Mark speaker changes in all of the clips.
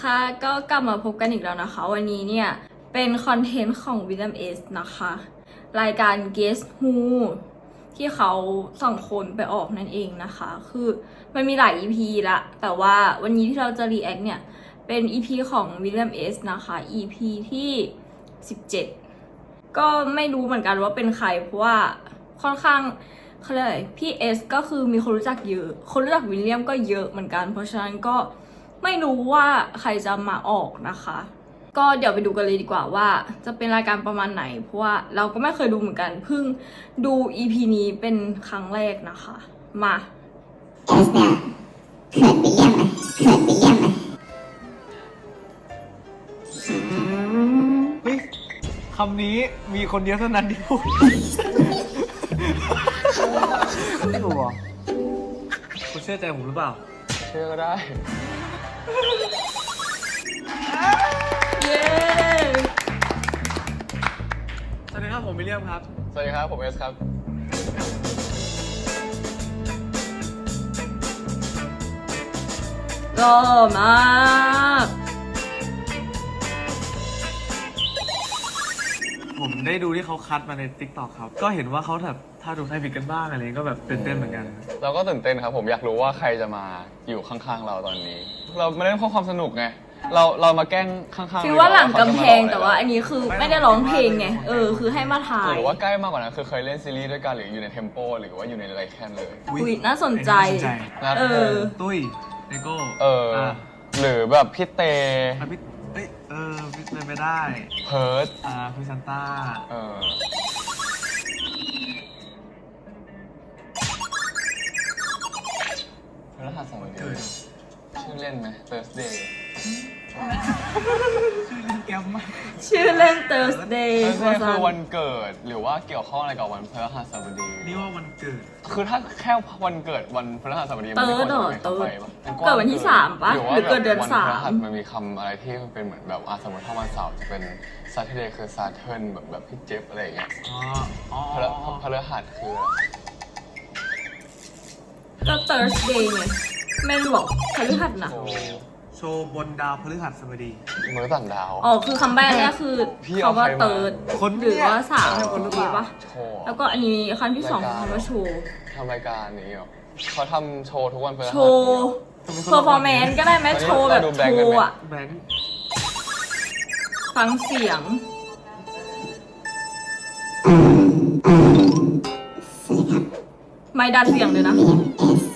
Speaker 1: ค่ะก็กลับมาพบกันอีกแล้วนะคะวันนี้เนี่ยเป็นคอนเทนต์ของ William S นะคะรายการ Guess Who ที่เขาส่งคนไปออกนั่นเองนะคะคือมันมีหลาย EP ละแต่ว่าวันนี้ที่เราจะ react เนี่ยเป็น EP ของ William S นะคะ EP ที่17ก็ไม่รู้เหมือนกันว่าเป็นใครเพราะว่าค่อนข้างเขาเรียกอะไรพี่เอสก็คือมีคนรู้จักเยอะคนรู้จักวิลเลียมก็เยอะเหมือนกันเพราะฉะนั้นก็ไม่รู้ว่าใครจะมาออกนะคะ ก็เดี๋ยวไปดูกันเลยดีกว่าว่าจะเป็นรายการประมาณไหนเพราะว่าเราก็ไม่เคยดูเหมือนกันเพิ่งดู EP นี้เป็นครั้งแรกนะคะมา
Speaker 2: เอสเนี่ยเขินวิลเลียมไหมเขินวิลเลียมไหม
Speaker 3: เฮ้ยคำนี้มีคนเดียวเท่านั้นที่พูดไม่รู้อ่ะคุณเชื่อใจผมหรือเปล่า
Speaker 4: เชื่อก็ได้
Speaker 1: เย้
Speaker 3: สวัสดีครับผมวิลเลียมครับ
Speaker 4: สวัสดีครับผมเอสครับ
Speaker 1: หล่อมาก
Speaker 3: ผมได้ดูที่เขาคัดมาใน TikTok ครับ ก็เห็นว่าเขาแบบถ้าดูใครผิดกันบ้างอะไรก็แบบตื่นเต้นเหมือนกัน
Speaker 4: เราก็ตื่นเต้นครับผมอยากรู้ว่าใครจะมาอยู่ข้างๆเราตอนนี้ เราไม่ได้เพราะความสนุกไงเรามาแกล้งข้างๆ
Speaker 1: ฟีลว่าหลังกำแพงแต่ว่าอันนี้คือไม่ได้ร้องเพลงไงคือให้มาถ่าย
Speaker 4: หรือว่าใกล้มากกว่านั้นคือเคยเล่นซีรีส์ด้วยกันหรืออยู่ในเทมโปหรือว่าอยู่ในไรแคนเลย
Speaker 1: อุ๊ยน่าสนใจ
Speaker 4: น่า
Speaker 1: เออ
Speaker 3: ตุ้ยเลโก้
Speaker 4: หรือแบบพี่เต
Speaker 3: พี่พี่เป็นไปได้
Speaker 4: เพิร์ด
Speaker 3: พี่ซันต้า
Speaker 4: พฤหัสบดีชื่อเล่นไหม Thursday
Speaker 3: ชื่อเล่นแก้มมาก
Speaker 1: ชื่อเล่น Thursday
Speaker 4: Thursday คือวันเกิดหรือว่าเกี่ยวข้องอะไรกับวันพฤหัสบดี
Speaker 3: นี่ว่าวันเกิด
Speaker 4: คือถ้าแค่วันเกิดวันพฤหัสบดี
Speaker 1: เติร์ดเหรอ
Speaker 4: มันไม่ควรจะมีคำไปปะมัน
Speaker 1: เกิดวันที่3ปะ
Speaker 4: หรือว่า
Speaker 1: หรือเกิดเดือน
Speaker 4: วัน
Speaker 1: สาม
Speaker 4: พฤหัสมันมีคำอะไรที่มันเป็นเหมือนแบบสมมติถ้าวันเสาร์จะเป็น Saturday คือ Saturn แบบพี่เจฟอะไรอย่างเงี้ย
Speaker 3: อ๋อ
Speaker 4: พฤหัสคือ
Speaker 1: ก็ Thursday ไงแม่นบอกพฤหัสนะ
Speaker 3: โชว์บนดาวพฤหัสบดี
Speaker 4: มื้อต่างดาว
Speaker 1: อ๋อคือคำแรกเนี่ยคือ
Speaker 4: พี่เอา
Speaker 1: คำว่า
Speaker 4: ใครมา
Speaker 1: เติร์ด
Speaker 3: คน
Speaker 1: หรือว่าสาม
Speaker 3: เนี่ย
Speaker 1: คนเมื่อกี้ปะ
Speaker 4: โชว์
Speaker 1: แล้วก็อันนี้คำที่สองคือคำว่าโชว์
Speaker 4: ทำรายการนี้เหรอเขาทำโชว์ทุกวันพฤหัส
Speaker 1: โชว์เพอร์ฟอร์แมนซ์ก็ได้ไหมโชว์แบบโชว์อะ
Speaker 3: แบงค์
Speaker 1: ฟังเสียง
Speaker 2: สวัสดีครับ
Speaker 1: ไม่ดัดเสียงเลยนะ
Speaker 2: วิลเลียมเอส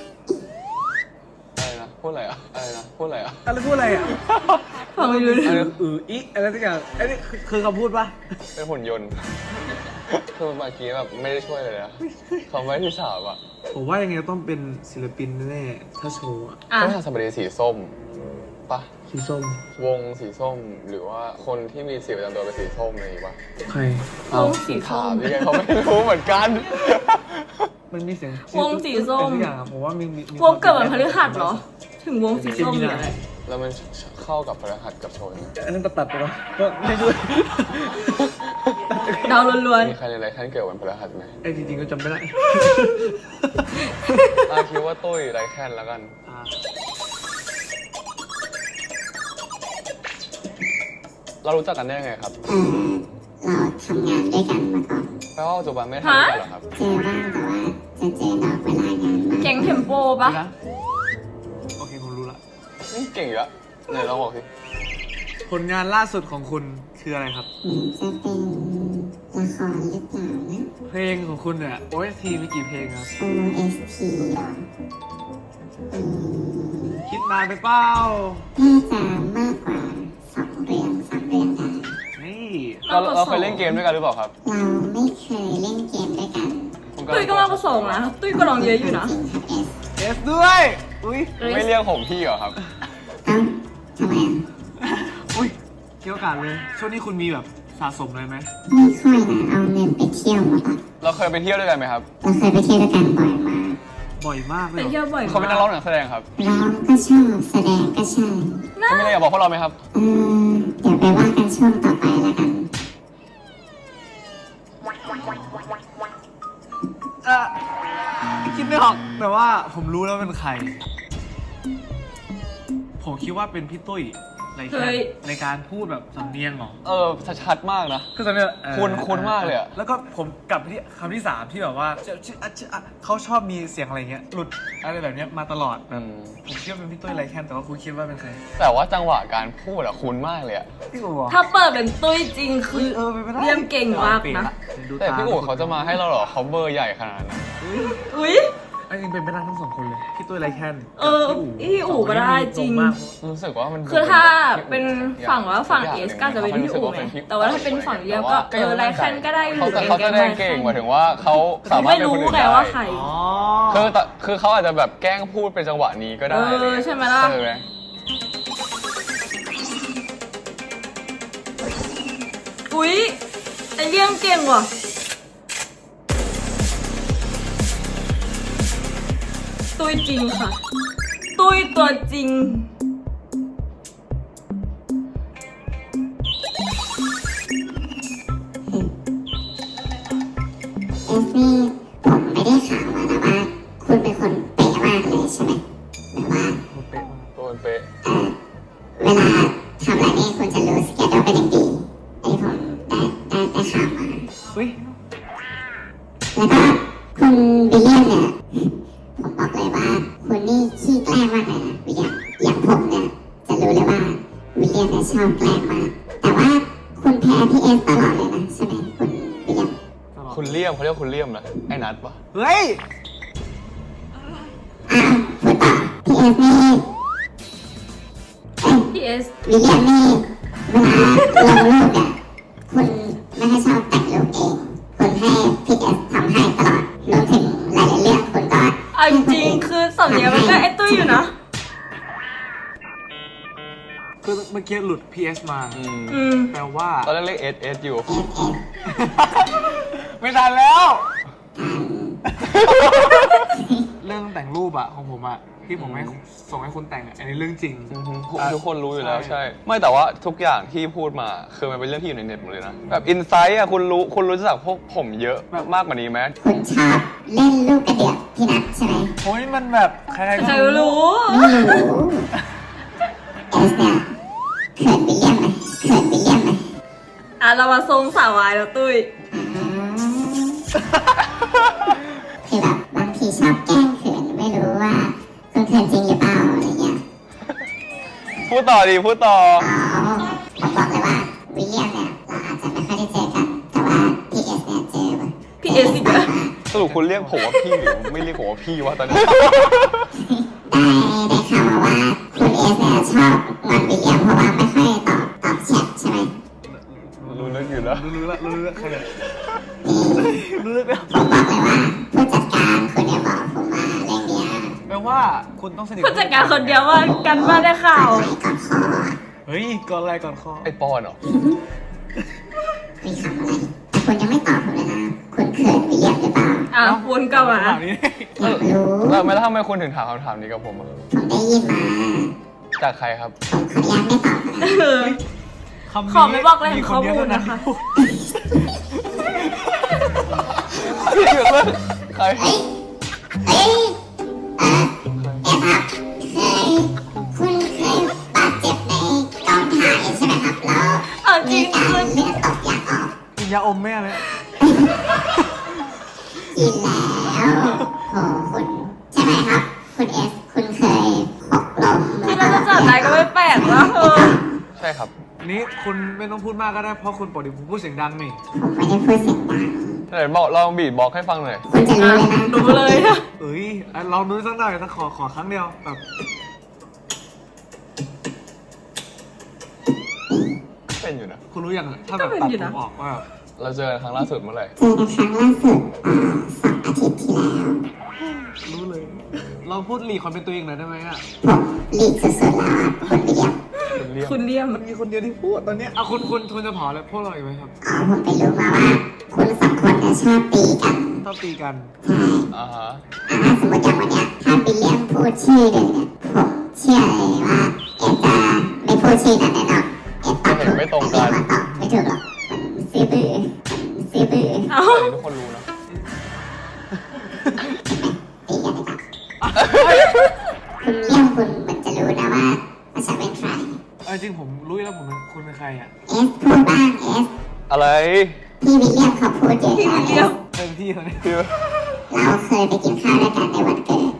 Speaker 4: อะไรนะพูดอะไรอ่ะอะไรนะพูดอะไรอ่ะ
Speaker 3: อะไรพูดอะไรอ่ะ
Speaker 1: ฟังไม่รู้เรื่อง
Speaker 3: อีอะไรสักอย่างอันนี้คือคำพูดปะ
Speaker 4: เป็นหุ่นยนต์ คือเมื่อกี้แบบไม่ได้ช่วยเลยนะเขาไม่ที่สามอ่ะ
Speaker 3: ผมว่ายังไงก็ต้องเป็นศิลปินแน่ๆถ้าโชว์อะ
Speaker 1: อ่ะ
Speaker 4: พฤหัสบดีสีส้มปะ
Speaker 3: สีส้ม
Speaker 4: วงสีส้มหรือว่าคนที่มีสีประจำตัวเป็นสีส้มอะไรอย่างงี้ปะ
Speaker 3: ใคร
Speaker 1: วงสีส้
Speaker 4: ถาม มยังไงเขาไม่รู้เหมือนกัน
Speaker 3: มันมีเสียง
Speaker 1: วงสีส้ม
Speaker 3: เป็นทุกอย่างอะผมว่ามี
Speaker 1: วงเกิดวันพฤหัสเหรอ ถึงวงสีส้มเนี่ย
Speaker 4: แล้วมันเข้ากับพฤหัสกับโชน
Speaker 3: อันนั้นตัดไปวะก็ไม่ด้วย
Speaker 1: ดาวล้วน
Speaker 4: มีใครในไรท่านเกิดวันพฤหัสไหม
Speaker 3: ไอ้จริงๆก็จำไม่ได้
Speaker 4: คิดว่าตุ้ยไรแคนแล้วกัน เรารู้จักกันได้ยังไงครับ
Speaker 2: เราทำงานด้วยกันมาก่อน
Speaker 4: แปลว่าปัจจุบันไม่ได้ทำด้วยกันเหรอครับ
Speaker 2: เจอบ้างแต่ว่าจะเจอนอกเวลางานมาก
Speaker 1: ๆแก๊งเทมโปปะ
Speaker 3: นะโอเคผมรู้ละ
Speaker 4: เก่งอยู่แล้วไหนลองบอกสิ
Speaker 3: ผลงานล่าสุดของคุณคืออะไรครับ
Speaker 2: เหมือนจะเป็นละครหรือเปล่านะ
Speaker 3: เพลงของคุณเนี่ย OST มีกี่เพลงครับ
Speaker 2: OST เหรอ
Speaker 3: คิดนานไปเปล่า
Speaker 2: น่าจะมากกว่า2 เรื่อง 3 เรื่องได้
Speaker 3: นี่
Speaker 4: เราเคยเล่นเกมด้วยกันหรือเปล่าครับ
Speaker 2: เราไม่เคยเล่นเกมด้วยกัน
Speaker 1: ตุ้ยก็มากกว่าสองนะ ตุ้ยก็ลองเยอะอยู่นะ
Speaker 2: จริงครับเอส
Speaker 3: เอสด้วย อุ้ย
Speaker 4: ไม่เรียกผมพี่เหรอครับ
Speaker 2: เอ้าทำไมอ่ะ
Speaker 3: อุ้ยเกี่ยวกันเลย ช่วงนี้คุณมีแบบสะสมอะไรไหม
Speaker 2: ไม่ค่อยนะเอาเงินไปเที่ยวหมดละ
Speaker 4: เราเคยไปเที่ยวด้วยกันไหมครับ
Speaker 2: เราเคยไปเที่ยวด้วยกันบ่อยมาก
Speaker 3: บ่อยมากเล
Speaker 1: ไป
Speaker 3: ยเหร
Speaker 1: เที่ยว
Speaker 3: อ
Speaker 1: บ่อย
Speaker 4: เขาเป็นนักร้องหรือนักแสดงครับ
Speaker 2: ร้องก็ชอบแสดงก็ใช่
Speaker 4: เขาไม่ได้อยากบอกพวกเราไหมครับ
Speaker 2: เดี๋ยวไปว่ากันช่วงต่อไปแล้วกัน
Speaker 3: คิดไม่ออกแต่ว่าผมรู้แล้วเป็นใคร ผผมคิดว่าเป็นพี่ตุ้ยไรแค่ในการพูดแบบสำเนียงเหรอ
Speaker 4: ชัดมากนะ
Speaker 3: คือสำเนียง
Speaker 4: คุ้นมากเลยอะ
Speaker 3: แล้วก็ผมกลับไปที่คำที่ 3ที่แบบว่าเขาชอบมีเสียงอะไรเงี้ยหลุดอะไรแบบเนี้ยมาตลอดผมคิดว่าเป็นพี่ตุ้ยไรแค่แต่ว่าคุณคิดว่าเป็นใคร
Speaker 4: แต่ว่าจังหวะการพูดอะคุ้นมากเลยอะ
Speaker 3: พี่อู๋เหรอ
Speaker 1: ถ้าเปิดเป็นตุ้ยจริงคือ
Speaker 3: เป็นไปได้
Speaker 1: เลี่ยมเก่งมากนะ
Speaker 4: แต่พี่อู๋เขาจะมาให้เราเหรอเขาเบอร์ใหญ่ขนาดนั้น
Speaker 1: อุ้ย
Speaker 3: จริงเป็นไปได้ทั้ง2คนเลยพี่ตุ้ยไรแค่
Speaker 1: พี่อู๋ก็ได้จริง
Speaker 4: รู้สึกว่ามัน
Speaker 1: คือถ้าเป็นฝั่งว่าฝั่งเอสก็จะเป็นพี่อู๋ไงแต่ว่าถ้าเป็นฝั่งเลียมก็ไรแคนก็ได้หรือ
Speaker 4: เขาแสดงเก่งหมายถึงว่าเขาสามารถ
Speaker 1: ไม่
Speaker 4: เป็น
Speaker 1: รู้
Speaker 4: คนอื่น
Speaker 1: ไง
Speaker 4: ได้
Speaker 1: ว่าใคร
Speaker 4: คือเขาอาจจะแบบแกล้งพูดเป็นจังหวะนี้ก็ได้
Speaker 1: ใช่ไหมล่ะ
Speaker 4: ใช่ไหม
Speaker 1: อุ๊ยไอเลี่ยมเก่งว่ะตุ้ยจริงค่ะ ตุ้ยตัวจริง
Speaker 2: เอสนี่ผมไม่ได้ข่าวมานะว่า คุณเป็นคนเป๊ะมากเลยใช่ไหมหรือว่า
Speaker 4: ตัวมันเป๊ะ
Speaker 2: เวลาทำอะไรนี่คุณจะรู้สเกจโดเป็นอย่างดีอันนี้ผมได้ข่าวมา
Speaker 3: อุ้ย
Speaker 2: แล้วก็คุณวิลเลียมเนี่ยผมบอกเลยว่าคุณนี่ขี้แกล้งมากเลยนะวิลเลียมอย่างผมเนี่ยจะรู้เลยว่าวิลเลียมเนี่ยชอบแกล้งมากแต่ว่าคุณแพ้พี่เอสตลอดเลยนะใช่ไหมคุณวิลเลียม
Speaker 4: คุณเลี่ยมเขาเรียกคุณเลี่ยมนะไอ้นัทปะ
Speaker 3: เฮ้ย
Speaker 2: อ้าวพูดต่อพี่เอสนี่
Speaker 1: พี่เอส
Speaker 2: วิลเลียมนี่เวลาลงรูปเนี่ยคุณไม่ให้ชอบแต่งรูปเองคุณให้พี่เอสทำให้ตลอดรวมถึงหลายๆเรื่องคุณก็
Speaker 1: เอาจริงๆคือสำเนียงมันก็ไอตุ้ยอยู่นะ
Speaker 3: คือเมื่อกี้หลุด PS มา แปลว่า
Speaker 4: ตอนแรกเรียกเอสอยู่
Speaker 3: ไม่ทันแล้ว เรื่องแต่งรูปอะของผมอะที่ผมให้ส่งให้คุณแต่งอะอันนี้เรื่องจริง
Speaker 4: ทุกคนรู้อยู่แล้ว
Speaker 3: ใช่
Speaker 4: ใช่ ไม่แต่ว่าทุกอย่างที่พูดมาคือมันเป็นเรื่องที่อยู่ในเน็ตหมดเลยนะแบบอินไซต์อะคุณรู้จักพวกผมเยอะมากกว่านี้ไหม
Speaker 2: คุณชอบเล่นลูกกระเดือกพี่นัทใช่ไหม
Speaker 3: โอ้ยมันแบบใครๆ
Speaker 1: ใคร
Speaker 3: ก็
Speaker 1: รู้
Speaker 2: ไม่รู้เอสเนี่ยเขินวิลเลียมไหมเขินวิลเลียมไหม
Speaker 1: อ่ะเรามาทรงสาววายแล้วตุ้ย
Speaker 2: คือแบบบางทีชอบแกล้งเขินไม่รู้ว่าคุณเขินจริงหรือเปล่าอะไรเงี้ย
Speaker 4: พูดต่อดีพูดต่อ
Speaker 2: อ๋อผมบอกเลยว่าวิลเลียมเนี่ยเราอาจจะไม่ค่อยได้เจอกันแต่ว่าพี่เอสเนี่ยเจอ
Speaker 1: พี่เอสอีกแล้ว
Speaker 4: สรุปคุณเรียกผมว่าพี่หรือไม่เรียกผมว่าพี่วะตอนนี้
Speaker 2: ได้ข่าวมาว่าคุณเอสเนี่ยชอบงอนวิลเลียมเพราะว่าไม่ค่อยตอบแชทใช่ไหม
Speaker 4: รู้เรื่องอยู่แล้ว
Speaker 3: รู้แล้วใครเนี่ยรู้แล้ว
Speaker 2: ผมบอกเลยว่าผู้จัดการคุณเนี่ยบอกผมมาเรื่องเนี้ย
Speaker 3: แปลว่าคุณต้องสนิท
Speaker 1: ผู้จัดการคนเดียวว่ากันบ้านได้ข่าว
Speaker 2: ไปก่อนคอ
Speaker 3: เฮ้ยก่อนอะไรก่อนคอ
Speaker 4: ไอปอนเหรอ
Speaker 2: มีคำอะไรแต่คุณยังไม่ตอบผมเลยนะคุณเขินวิลเลียมหรือเปล่า
Speaker 1: อ่ะวนกลับมา
Speaker 3: ถามนี้
Speaker 2: อยากรู้
Speaker 4: แล้วทำไมคุณถึงถามคำถามนี้กับผมอะ
Speaker 2: ผมได้ยินมา
Speaker 4: จากใครครับ
Speaker 2: ผมขออนุญาตไม่ตอบนะ
Speaker 1: เออ
Speaker 3: คำนี้
Speaker 1: ขอไม่บอกแหล่งข้อมูล
Speaker 3: เดียวเท่า
Speaker 1: นะคะ
Speaker 4: ใคร
Speaker 2: เฮ้ยเฮ้ยเออครับคุณเคยบาดเจ็บในกองถ่ายใช่ไหมครับแล้ว
Speaker 1: เอาจริ
Speaker 2: มี
Speaker 1: ง
Speaker 2: การ
Speaker 1: คือ
Speaker 2: เลือดตกยางออก
Speaker 3: กินยาอมแม่เลย
Speaker 2: กินแล้วโหคุณใช่ไหมครับ คุณเอสคุณเคยหกล้ม
Speaker 1: ที่เราจะจัดได้ก็ไม่แปลกว่า
Speaker 4: ใช่ครับ
Speaker 3: นี่คุณไม่ต้องพูดมากก็ได้เพราะคุณปกติผมพูดเสียงดังนี่
Speaker 2: ผมไม่ได้พูดเสียงดัง
Speaker 4: ไหนบอกลองบีทบอกให้ฟังหน่อย
Speaker 2: คุณจะรู้เลยนะ
Speaker 1: รู้เลยนะ
Speaker 3: เอ้ยลองดูสักหน่อยนะขอครั้งเดียวแบบ
Speaker 4: เป็นอยู่นะ
Speaker 3: คุณรู้ยังอะถ้าแบบตัดผมออกว่าแบบ
Speaker 4: เราเจอกันครั้งล่าสุดเมื่อไหร่
Speaker 2: เจอกันครั้งล่าสุด2 อาทิตย์ที่แล้ว
Speaker 3: รู้เลยเราพูดหลีกความเป็นตัวเองหน่อยได้ไหมอ่ะ
Speaker 2: ผมหลีกสุดๆแล้วอะคุณวิลเลียม
Speaker 1: คุณเลี่ยม
Speaker 3: มันมีคนเดียวที่พูดตอนเนี้ยเอาคุณจะเผาอะไรพวกเราอีกไหมครับ
Speaker 2: อ๋อผมไปรู้มาว่าคุณสองคนเนี่ยชอบตีกัน
Speaker 3: ชอบตีกัน
Speaker 2: ใช่
Speaker 4: อ่าฮะ
Speaker 2: สมมติอย่างวันเนี้ยถ้าวิลเลียมพูดชื่อหนึ่งเนี่ยผมเชื่อเลยว่าเอ็ดจะไม่พูดชื่อนั้นแน่นอนเอ็ดตอบถูก
Speaker 4: ไม่ตรงกัน
Speaker 2: แต่เอ็ดตอบไม่ถูกหรอกมันซื้อบื้อมันซื้อบื้อ
Speaker 1: เอ้า
Speaker 4: อันนี้ทุกคนรู้นะ
Speaker 2: ตีกันดีกว่าคุณเลี่ยมคุณเหมือนจะรู้นะว่าภา
Speaker 3: จริงผมรู้แล้วผมเป็นคุณเป็นใครอ่ะ
Speaker 2: เอสพูดบ้างเอส
Speaker 4: อะไร
Speaker 2: พี่วิลเลียมเขาพูดเยอะ
Speaker 1: พี่
Speaker 2: แล้ว
Speaker 1: วิลเลียม
Speaker 3: เต็มที่เลย
Speaker 4: คือ
Speaker 2: เราเคยไปกินข้าวด้วยกันในวันเกิด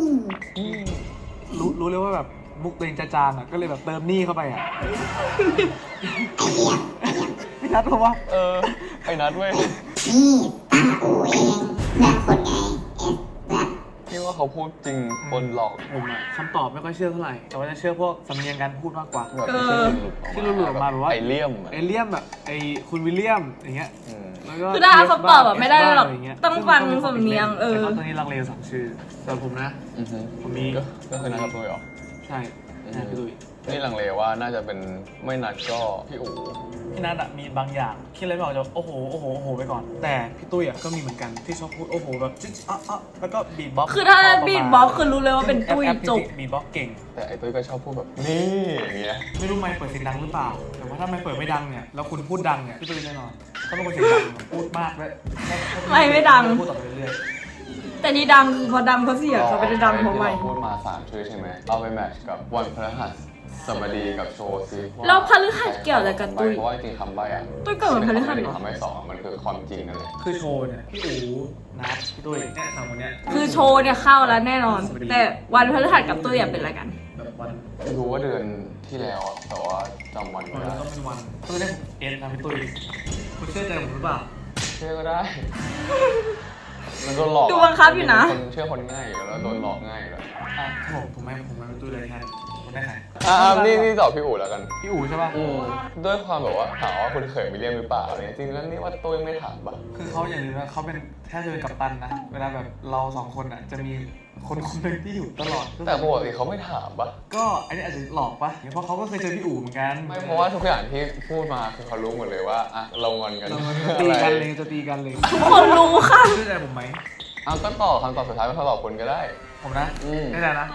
Speaker 3: รู้เลยว่าแบบมุกตัวเองจะจางอ่ะก็เลยแบบเติมหนี้เข้าไปอ่ะ
Speaker 2: ไอเลี่ยม
Speaker 3: พี่นัทบอกว่า
Speaker 4: ไอ้นัดเว้ย
Speaker 2: นี่ตาอูเองเพื่อนคนไงเอสแบบ
Speaker 4: พี่ว่าเขาพูดจริงบนหลอก
Speaker 3: ผมอ่ะคำตอบไม่ค่อยเชื่อเท่าไหร่แต่ว่าจะเชื่อพวกสำเนียงการพูดมากกว่า
Speaker 4: แบบที่หลุดออกมา
Speaker 3: ที่หลุดออกมาแบบว่า
Speaker 4: ไอเลี่ยม
Speaker 3: เอเลี่ยมแบบไอคุณวิลเลียมอย่างเงี้ย
Speaker 4: อืม
Speaker 3: แล้วก็
Speaker 1: คือถ้าเอาคำตอบอะไม่ได้หรอก
Speaker 3: ะย่าเย
Speaker 1: ต้องฟังสำเนียง
Speaker 3: แต่เขาตอนนี้ลังเลสองชื่อส่วนผมนะ
Speaker 4: อือฮึ
Speaker 3: ผมมี
Speaker 4: ก็คือนัดกับตุ้ยเหรอ
Speaker 3: ใช่พี่ตุ้ย
Speaker 4: นี่ลังเลว่าน่าจะเป็นไม่นัดก็พี่อู๋
Speaker 3: พี่นัทอะมีบางอย่างคิดอะไรไม่ออกจะโอ้โหโอ้โหโอ้โหไปก่อน แต่พี่ตุ้ยอะก็มีเหมือนกันที่ชอบพูดโอ้โหแบบจิ๊ดแล้วก็บีทบ็อกซ์
Speaker 1: คือถ้าบีทบ็อกซ์คือรู้เลยว่าเป็นตุ้ยจบ
Speaker 3: บีทบ็อกซ์เก่ง
Speaker 4: แต่ไอ้ตุ้ยก็ชอบพูดแบบนี่อย่างเงี้ย
Speaker 3: ไม่รู้ไม่เปิดเสียงดังหรือเปล่า แต่ว่าถ้าไม่เปิดไม่ดังเนี่ยแล้วคุณพูดดังเนี่ยพี่ตุ้ยแน่นอนถ้าเป็นคนเสียงดังพูดมากเลย
Speaker 1: ไม่ดัง
Speaker 3: พูดต่อไปเรื่อย
Speaker 1: แต่นี่ดังคือพอดังเพราะเสียงเขาไม่ได้ดังเพราะไม่
Speaker 4: ที่เราพูดมา3ชื่อใช่ไหมเอาไปแมทช์กับวันพฤหัสบดีกับโชว์ซิ
Speaker 1: แล้วพฤหัสเกี่ยวอะไรกับตุ้ย
Speaker 4: เพราะว่าจริงๆคำใบ้อะ
Speaker 1: ตุ้ยเกิดวันพฤหัสเหรอ
Speaker 4: คำใบ้สองมันคือความจริงนั่นแหละ
Speaker 3: ๆคือโชว์เนี่ยพี่อู๋นัทพี่ตุ้ยเนี่ยสามคนเนี้ย
Speaker 1: คือโชว์เนี่ยเข้าแล้วแน่นอน แต่วันพฤหัสกับตุ้ยอะเป็นอะไรกัน
Speaker 3: แบบวัน
Speaker 4: รู้ว่าเดือนที่แล้วอะแต่ว่าจำวันไม่ได้
Speaker 3: ต้องเป็นวันก็จะได้เอ็นนะพี่ตุ้ยคุณเชื่อใจผมหรือเปล่า
Speaker 4: เชื่อก็ได้ มันโดนหลอก
Speaker 1: ดูบังคับอยู่นะ
Speaker 4: คนเชื่อคนง่ายอยู่แล้วโดนหลอกง่ายอยู่แล้ว
Speaker 3: อ่ะผมไม่พี่ตุ้ยเลยแค่คุณได้ใคร
Speaker 4: นี่ตอบพี่อู๋แล้วกัน
Speaker 3: พี่อู๋ใช่ป่ะ
Speaker 4: ด้วยความแบบว่าถามว่าคุณเคยวิลเลียมหรือเปล่าอะไรเนี่ยจริงๆแล้วนี่ว่าตุ้ยไม่ถามปะ
Speaker 3: คือเขาอย่างนี้นะเขาเป็นแค่จะเป็นกัปตันนะเวลาแบบเราสองคนอ่ะจะมีคนคนหนึ่งที่อยู่ตลอด
Speaker 4: แต่ปกติเขาไม่ถามปะ
Speaker 3: ก็อันนี้อาจจะหลอกปะเพราะเขาก็เคยเจอพี่อู๋เหมือนกัน
Speaker 4: ไม่เพราะว่าทุกอย่างที่พูดมาคือเขารู้หมดเลยว่าอ่ะเรางอนกัน
Speaker 3: เราจะตีกันเลยจะตีกันเลย
Speaker 1: ทุกคนรู้ค่ะ
Speaker 3: เชื่อใจผมไหม
Speaker 4: เอาก็ต่อคำตอบสุดท้ายเป็นคำตอบคุณก็ได้
Speaker 3: ผมนะ
Speaker 4: อืม
Speaker 3: ได้นะ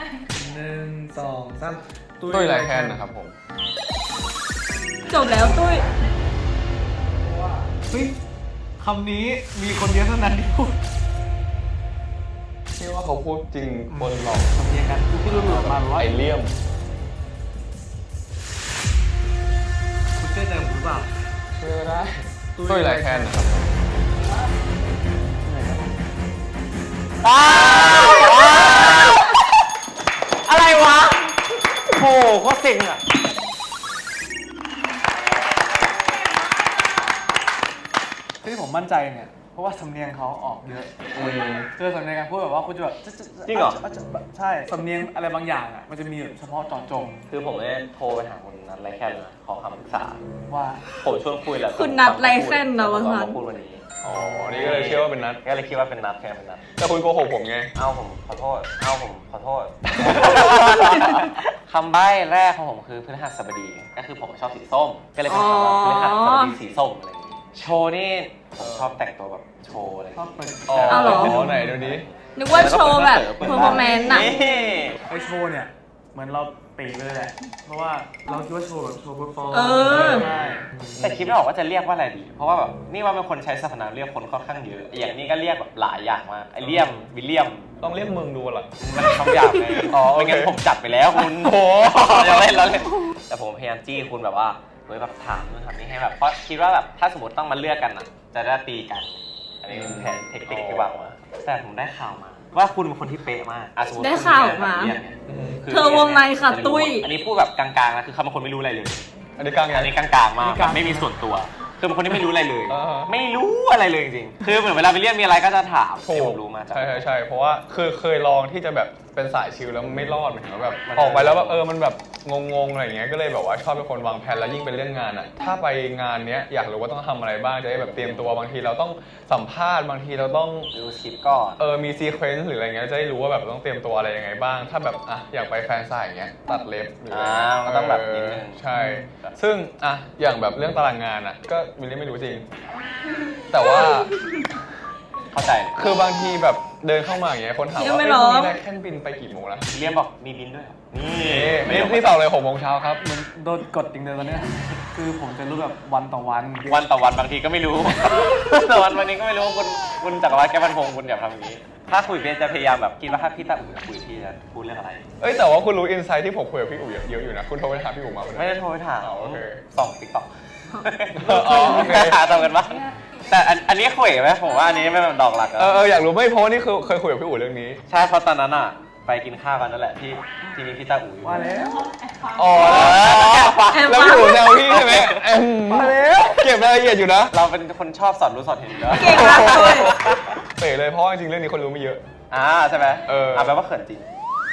Speaker 3: 1 2 3
Speaker 4: ตุ้ยไรแคนนะครับผม
Speaker 1: จบแล้วตุ้ย
Speaker 3: เฮ้ยคำนี้มีคนเดียวเท่านั้นที่พูด
Speaker 4: ที่ว่าเขาพูดจริงคนหลอก
Speaker 3: สำเนียงกันที่รู้หลุดมาว่า
Speaker 4: ไอเลี่ยม
Speaker 3: คุณเชื่อใจผมหรือเปล่า
Speaker 4: เชื่อก็ได้ตุ้ยไรแคนนะครับ
Speaker 5: อะไรวะโหโคตรเซ็งอ่ะ
Speaker 3: ที่ผมมั่นใจเนี่ยเพราะว่าสำเนียงเขาออกเยอะเจอสำเนียงการพูดแบบว่าคุณจะแบบ
Speaker 5: จริงเหรอ
Speaker 3: ใช่สำเนียงอะไรบางอย่างอ่ะมันจะมีเฉพาะเจาะจง
Speaker 5: คือผมได้โทรไปหาคุณนัทไรแค่นะขอคำปรึกษา
Speaker 3: ว่า
Speaker 5: ผมชวนคุยแหละ
Speaker 1: คุณนัทไรแค่นนะวะ
Speaker 5: ค
Speaker 1: ครั
Speaker 5: รั
Speaker 1: บบ
Speaker 5: พูดวันนี้
Speaker 4: อ๋อ นี่ก็เลยเชื่อว่าเป็นนัด
Speaker 5: ก็เลยคิดว่าเป็นนัทแค่เป็นนัท
Speaker 4: แต่คุณโกหกผมไง
Speaker 5: เอ้าผมขอโทษ เอ้าผมขอโทษ คำใบ้แรกของผมคือพฤหัสบดี ก็คือผมชอบสีส้ม ก็เลยเป็นคำว่าพฤหัสบดีสีส้มอะไรอย่างงี้ โชว์นี่ผมชอบแต่งตัวแบบโชว์อะไรอย่าง
Speaker 3: ชอบ
Speaker 5: งี้
Speaker 3: เปิด
Speaker 4: อ๋อ
Speaker 1: เอาเหรอ
Speaker 4: ไหนดูดิ
Speaker 1: นึกว่าโชว์แบบเพอร์ฟอร์แมนซ์น่ะ
Speaker 5: นี่
Speaker 3: ไอโชว์เนี่ยเหมือนเราเป๋เลยแหละเพราะว่าเราคิดว่าโชว์แบบโชว์เปอร์ฟอร์ม
Speaker 1: เออ
Speaker 3: ใช่
Speaker 5: แต่คิดไม่ออกว่าจะเรียกว่าอะไรดี เพราะว่าแบบนี่ว่าเป็นคนใช้สรรพนามเรียกคนค่อนข้างเยอะ อย่างนี้ก็เรียกแบบหลายอย่างมาก ไอเลี่ยม วิลเลียม
Speaker 4: ต้องเรียกมึงดูเหรอ
Speaker 5: มันคำหยาบไง
Speaker 4: อ๋อโอเค
Speaker 5: ไม่งั้นผมจัดไปแล้วคุณ
Speaker 4: โอ้โห
Speaker 5: เราเล่นเราเล่นแต่ผมพยายามจี้คุณแบบว่าเฮ้ยแบบถามนู่นถามนี่ให้แบบ เพราะคิดว่าแบบถ้าสมมติต้องมาเลือกกันอ่ะ จะได้ตีกัน อันนี้คือแผนเทคนิคที่วางมาแต่ผมได้ข่าวมา ว่าคุณเป็นคนที่เป๊ะมากอ่ะสมมติ
Speaker 1: ได้ข่าวมา
Speaker 5: คุณเรียนเนี่ยคื
Speaker 1: เธอวงในค่ะตุ้ย
Speaker 5: อันนี้พูดแบบกลางๆนะคือเขาเป็นคนไม่รู้อะไรเลย
Speaker 4: อันนี้กลางไง
Speaker 5: อันนี้กลางๆมากแบบไม่มีส่วนตัว คือเป็นคนที่ไม่รู้อะไรเลย
Speaker 4: อ่าฮะ
Speaker 5: ไม่รู้อะไรเลยจริงๆ คือเหมือนเวลาไปเรียนมีอะไรก็จะถาม
Speaker 4: ถู
Speaker 5: ที่
Speaker 4: ก
Speaker 5: ผมรู้มาจาก
Speaker 4: ใช่เพราะว่าคือเคยลองที่จะแบบเป็นสายชิลแล้วมันไม่รอดหมายถึงว่าแบบออกไปแล้วแบบมันแบบงงๆอะไรอย่างเงี้ยก็เลยแบบว่าชอบเป็นคนวางแผนแล้วยิ่งเป็นเรื่องงานอ่ะถ้าไปงานเนี้ยอยากรู้ว่าต้องทำอะไรบ้างจะได้แบบเตรียมตัวบางทีเราต้องสัมภาษณ์บางทีเราต้อง
Speaker 5: ดูคลิปก่อน
Speaker 4: มีซีเควนซ์หรืออะไรเงี้ยจะได้รู้ว่าแบบต้องเตรียมตัวอะไรยังไงบ้าง ถ้าแบบอยากไปแฟนสายอย่างเงี้ยตัดเล็บหรืออะไร
Speaker 5: ก็ต้องแบบนิดนึง
Speaker 4: ใช่ ซึ่งอย่างแบบเรื่องตารางงานก็มิลลี่ไม่รู้จริง แต่ว่า
Speaker 5: เข้าใจ
Speaker 4: คือบางทีแบบเดินเข้ามาอย่างเงี้ยคนถาม
Speaker 1: ยั
Speaker 4: ว่าง
Speaker 1: ไม่
Speaker 4: เอ้ย
Speaker 1: ร้
Speaker 4: พ
Speaker 1: อง
Speaker 4: รุ่งนี้ได้แค่บินไปกี่โมงนะ
Speaker 5: วิลเลียมบอกมีบินด้วยเหรอนี่
Speaker 4: นี่พี่ตอบเลย6 โมงเช้าครับ
Speaker 3: มันโดนกดจริงเลยตอนเนี้ยคือผมจะรู้แบบวันต่อวัน
Speaker 5: วันต่อวันบางทีก็ไม่รู้ ต่อวันวันนี้ก็ไม่รู้คุณจักรวาลแก้วพันพงศ์คุณอย่าทำอย่างนี้ ถ้าคุยเบสจะพยายามแบบคิดว่าถ้าพี่ตาอู๋คุยพี่จะพูดเรื่องอะไร
Speaker 4: เอ้ยแต่ว่าคุณรู้อินไซต์ที่ผมคุยกับพี่อู๋เยอะอยู่นะคุณโทรไปหาพี่อู๋มาวัน
Speaker 5: ไม่
Speaker 4: นั้น
Speaker 5: ได้โทรไปถาม
Speaker 4: อ๋อโอเค
Speaker 5: ส่องติ๊กต็อก
Speaker 4: อ๋อโอเค
Speaker 5: หาตรงกันปะแต่อันนี้คุยไหมผมว่าอันนี้ไม่เป็นดอกหลักอะ
Speaker 4: อยากรู้ไม่เพราะว่านี่คือเคยคุยกับพี่อู๋เรื่องนี้
Speaker 5: ใช่เพราะตอนนั้นอะไปกินข้าวกันนั่นแหละที่มีพี่ตาอู๋อยู่
Speaker 3: ว่าแล้ว
Speaker 4: อ๋อแล้วพี่อู๋แซวพี่ใช่ไหมมาแล้วเก็บรายละเอียดอยู่นะ
Speaker 5: เราเป็นคนชอบสอนรู้สอนเห็นอยู่แล้ว
Speaker 1: เก่งมากเลย
Speaker 4: เป๋เลยเพราะว่าจริงๆเรื่องนี้คนรู้ไม่เยอะ
Speaker 5: ใช่ไหม แปลว่าเขินจริง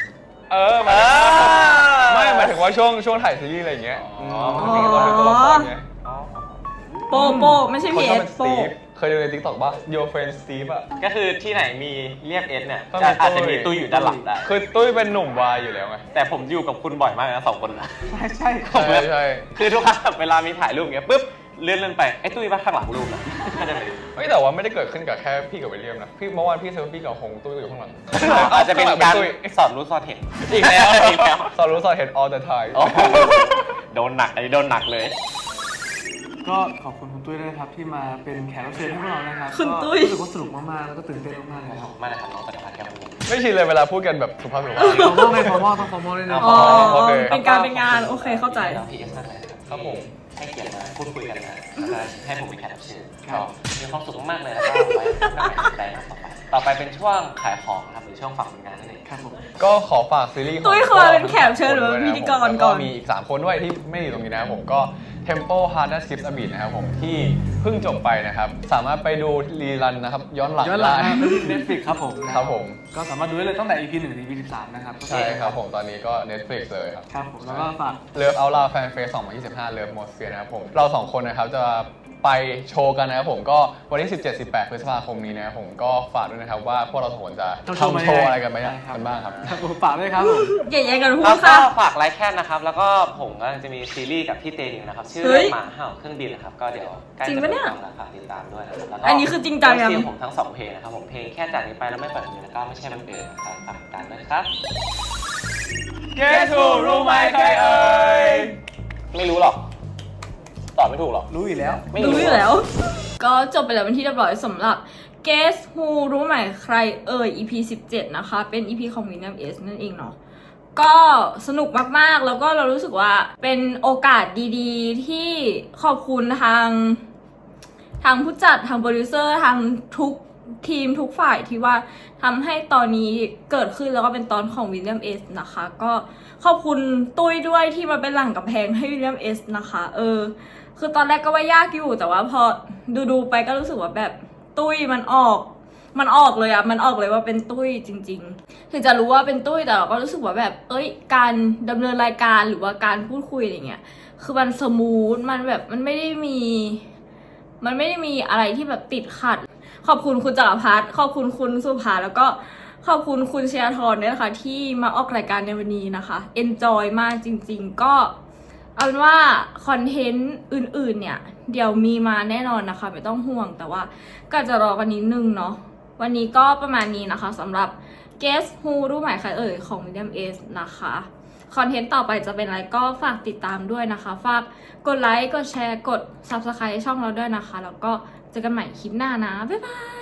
Speaker 4: ไม่หมายถึงว่าช่วงถ่ายซีรีส์อะไรอย่างเงี้ย
Speaker 5: อ๋อ
Speaker 4: จริงๆเราเป็นตัวละครไง
Speaker 1: โปไม่ใช่
Speaker 4: คน
Speaker 1: พี
Speaker 4: ช
Speaker 1: เอ
Speaker 4: อบ
Speaker 1: ส
Speaker 4: เป็นส
Speaker 1: โป
Speaker 4: ตีฟเคยดูใน TikTok ป่ะ Your Friend Steve อ่ะ
Speaker 5: ก็คือที่ไหนมีเรียกเอสเนี่ย
Speaker 4: ต้องมี
Speaker 5: อาจจะมีตุ้ยอยู่ด้านหลังได้
Speaker 4: คือตุ้ยเป็นหนุ่มวายอยู่แล้วไง
Speaker 5: แต่ผมอยู่กับคุณบ่อยมากนะ2 คนนะ
Speaker 3: ใช่ใช่
Speaker 4: ใช่
Speaker 5: คือทุกครั้งเวลามีถ่ายรูปอย่างเงี้ยปุ๊บเลื่อนไปไอ้ตุ้ยบ้าข้างหลังรูปนะก็จะไปดู
Speaker 4: ไม่แต่ว่าไม่ได้เกิดขึ้นกับแค่พี่กับวิลเลียมนะพี่เมื่อวานพี่เซลฟี่กับฮงตุ้ยอยู่ข้างหลัง
Speaker 5: อาจจะเป็นการ
Speaker 4: ตุ้ย
Speaker 5: สอนรู้สอนเห็น
Speaker 4: อีกแล้ว
Speaker 5: อีกแล้ว
Speaker 4: สอนรู้สอนเห็น all the time
Speaker 5: โอ้โหโดนหนักอันนี้โดนหนักเลย
Speaker 3: ก็ขอบคุณคุณตุ้ยด้วยนะครับที่มาเป็นแขกรับเชิญให้พวกเรานะครับ
Speaker 1: คุณตุ้ย
Speaker 3: ก็รู้สึกว่าสนุกมากๆแล้วก็ตื่นเต้นมากๆเลยครับ
Speaker 5: มาเลยครับน้องจักรพันธ์แก้วพันพงศ์
Speaker 4: ไม่ชินเลยเวลาพูดกันแบบสุภาพ
Speaker 3: ฟอร์มอลไงฟอร์มอลต้องฟอร์มอลด้วยนะ
Speaker 1: อ๋อ
Speaker 4: โอเค
Speaker 1: เป็นการเป็นงานโอเคเข้าใจ
Speaker 5: น้องพีเอสมากเลยนะครับ
Speaker 4: ครับผม
Speaker 5: ให้เกียรติมาพูดคุยกันนะแล้วก็ให้ผมเป็นแขกรับเชิญ
Speaker 3: ครั
Speaker 5: ก็
Speaker 3: บ
Speaker 5: มีความสุขมากๆเลยแล้วก็ไว้ข้างในใจนะต่อไปเป็นช่วงขายของครับหรือช่วงฝากผลงานนั่นเอง
Speaker 3: ครับผม
Speaker 4: ก็ขอฝากซีรีส์ของ
Speaker 1: ตุ้ยเคยเป็นแขกรับเชิญหรือว่าพิธีกรก่อน
Speaker 4: แล้วมีอีก 3 คนด้วยที่ไม่อยู่ตรงนี้นะครับผมก็ Tempo Hard Skips a Beat นะครับผมที่เพิ่งจบไปนะครับ สามารถไปดูรีรันนะครับย้อนหลัง
Speaker 3: ย้อนหลัง
Speaker 4: ได้
Speaker 3: นะครับที่ Netflix ครับผม
Speaker 4: ครับผม
Speaker 3: ก็สามารถดูได้เลยตั้งแต่ EP 1 ถึง EP 13 นะครับ
Speaker 4: ใช่ครับผมตอนนี้ก็ Netflix เลยครับ
Speaker 3: ครับผมแล้วก็ฝาก
Speaker 4: เลิฟเอาลาแฟนเฟส2025 เลิฟมอสเฟียนะครับผมเรา 2 คนนะครับจะไปโชว์กันนะครับผมก็วันที่ 17-18 พฤษภาคมนี้นะครับผมก็ฝากด้วยนะครับว่าพวกเรา 2 คนจะ
Speaker 3: ต้อง
Speaker 4: ทำโชว์อะไรกันไหม
Speaker 3: ใช่ครับ
Speaker 4: กันบ้างครับ
Speaker 3: ครับผมฝากด้วยครับผม
Speaker 1: อย่าแย่งกันพู
Speaker 5: แล้
Speaker 1: ด
Speaker 5: วก็
Speaker 1: ค่ะ
Speaker 5: ฝากไลค์แคนนะครับ แล้วก็ผมกำลังจะมีซีรีส์กับพี่เตนิวนะครับ ชื่อ
Speaker 1: เฮ้ย
Speaker 5: หมาเห่าเครื่องบินนะครับ ก็เดี๋ยวใกล้
Speaker 1: จริง
Speaker 5: จะ
Speaker 1: ปะเนี่ย
Speaker 5: ปิดกล้องแล้วฝากติดตามด้วยนะครับแล้วก็
Speaker 1: อันนี้คือจริงจังยัง
Speaker 5: เสียงผมทั้ง 2 เพลงนะครับผมเพลงแค่จากนี้ไปแล้วไม่ปล่อยมือแล้วก็ไม่ใช่มันเดินนะครับฝากติดตามด้วยนะครับ
Speaker 4: Guess who รู้ไหมใครเอ่ย
Speaker 5: ไม่รู้หรอก ตอบไม่ถูกหรอก
Speaker 3: รู้อยู่แล้ว
Speaker 5: ไม่
Speaker 1: รู้อยู่แล้ว ก็จบไปแล้วเป็นที่เรียบร้อยสำหรับ Guess Who รู้ไหมใครเอ่ย EP 17 นะคะ เป็น EP ของ William S นั่นเองเนาะ ก็สนุกมากๆ แล้วก็เรารู้สึกว่าเป็นโอกาสดีๆ ที่ขอบคุณทางผู้จัด ทางโปรดิวเซอร์ ทางทุกทีมทุกฝ่ายที่ว่าทำให้ตอนนี้เกิดขึ้นแล้วก็เป็นตอนของ William S นะคะ ก็ขอบคุณตุ้ยด้วยที่มาเป็นหลังกำแพงให้ William S นะคะ คือตอนแรกก็ว่ายากอยู่แต่ว่าพอดูไปก็รู้สึกว่าแบบตุ้ยมันออกเลยอะมันออกเลยว่าเป็นตุ้ยจริงๆถึงจะรู้ว่าเป็นตุ้ยแต่เราก็รู้สึกว่าแบบการดำเนินรายการหรือว่าการพูดคุยอะไรเงี้ยคือมันสมูทมันแบบมันไม่ได้มีอะไรที่แบบติดขัด ขอบคุณคุณจักรพัฒน์ขอบคุณคุณสุภาแล้วก็ขอบคุณคุณเชียร์ทรด้วยนะคะที่มาออกรายการในวันนี้นะคะ enjoy มากจริงๆก็เอาเป็นว่าคอนเทนต์อื่นๆเนี่ยเดี๋ยวมีมาแน่นอนนะคะไม่ต้องห่วงแต่ว่าก็จะรอกันนิดนึงเนาะวันนี้ก็ประมาณนี้นะคะสำหรับ Guess Who รู้ไหมใครเอ่ยของ William S นะคะคอนเทนต์ต่อไปจะเป็นอะไรก็ฝากติดตามด้วยนะคะฝากกดไลค์กดแชร์กด Subscribe ช่องเราด้วยนะคะแล้วก็เจอกันใหม่คลิปหน้านะบ๊ายบาย